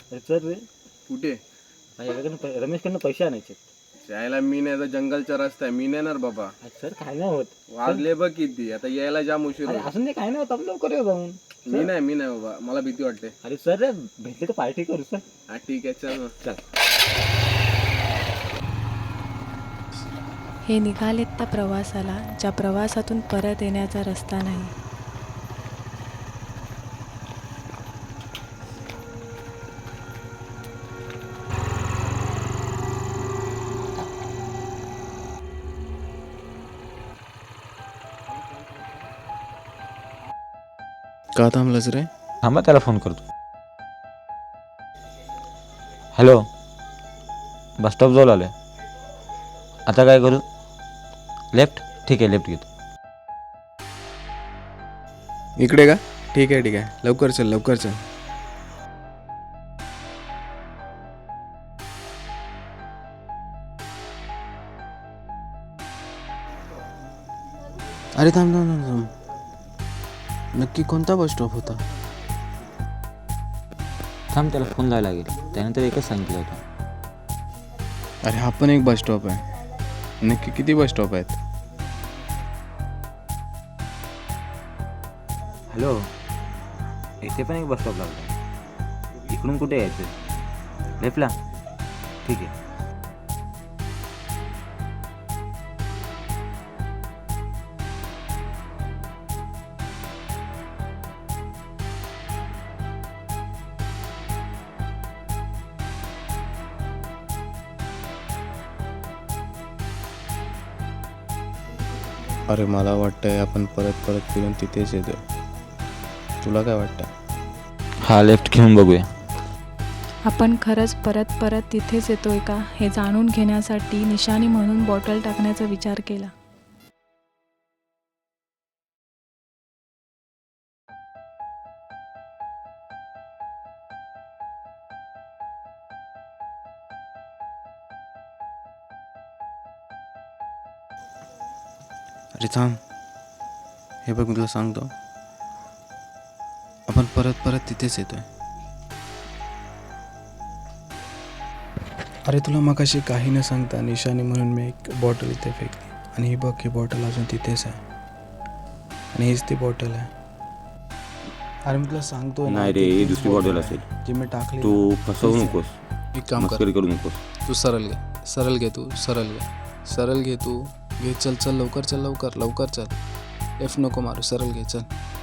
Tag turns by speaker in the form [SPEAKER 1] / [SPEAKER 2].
[SPEAKER 1] अरे चल रे,
[SPEAKER 2] कुठे?
[SPEAKER 1] माझ्याकडनं रमेशकडनं पैसे आणायचे.
[SPEAKER 2] यायला मी नाही तर जंगलचा रस्ता आहे, मी नेणार बाबा.
[SPEAKER 1] अरे सर काय नाही होत.
[SPEAKER 2] वाजले बघ किती, आता यायला जाम उशीर
[SPEAKER 1] अरे
[SPEAKER 2] होईल.
[SPEAKER 1] असून ते काय नाही होत, आपण लवकर येऊ जाऊन.
[SPEAKER 2] मी नाही बाबा, मला भीती वाटते.
[SPEAKER 1] अरे सर रे, भेटले तर पार्टी करू सर.
[SPEAKER 2] हा ठीक आहे, चल मग.
[SPEAKER 1] चल.
[SPEAKER 3] हे निघालेत त्या प्रवासाला, ज्या प्रवासातून परत येण्याचा रस्ता नाही.
[SPEAKER 2] का थांबलास रे?
[SPEAKER 1] थांबा, त्याला फोन करतो. हॅलो, बस स्टॉप जवळ आलो आहे. आता काय करू? लेफ्ट? ठीक आहे, लेफ्ट घेतो.
[SPEAKER 2] इकडे का? ठीक आहे, लवकर चल. अरे थांब. नक्की कोणता बस स्टॉप होता?
[SPEAKER 1] थांब, त्याला फोन लावायला लागेल. त्यानंतर एकच सांगितलं होतं.
[SPEAKER 2] अरे हा पण एक बस स्टॉप आहे. नक्की किती बस स्टॉप आहेत?
[SPEAKER 1] हॅलो, इथे पण एक बस स्टॉप लागला. इकडून कुठे यायचं? लेफ्टला? ठीक आहे.
[SPEAKER 2] अरे मला वाटतंय आपण परत फिरून तिथेच येतोय. तुला काय वाटतं?
[SPEAKER 1] हा, लेफ्ट घेऊन बघूया.
[SPEAKER 3] आपण खरंच परत तिथेच येतोय का हे जाणून घेण्यासाठी निशाणी म्हणून बॉटल टाकण्याचा विचार केला.
[SPEAKER 2] अरे थांब, हे बघ मी तुला सांगतो, आपण परत तिथेच येतोय. अरे तुला मगाशी काही न सांगता निशाणी म्हणून मी एक बॉटल इथे फेकली आणि ही बघ, ही बॉटल अजून तिथेच आहे आणि हीच ती बॉटल आहे. अरे मी तुला सांगतोय
[SPEAKER 1] नाही रे, ही दुसरी बॉटल असेल.
[SPEAKER 2] जी मी टाकली.
[SPEAKER 1] तू फसवू नकोस,
[SPEAKER 2] एक काम कर,
[SPEAKER 1] मस्करी करू नकोस.
[SPEAKER 2] तू सरळ घे, चल लवकर चल. लेफ्ट नको मारू, सरळ घे चल.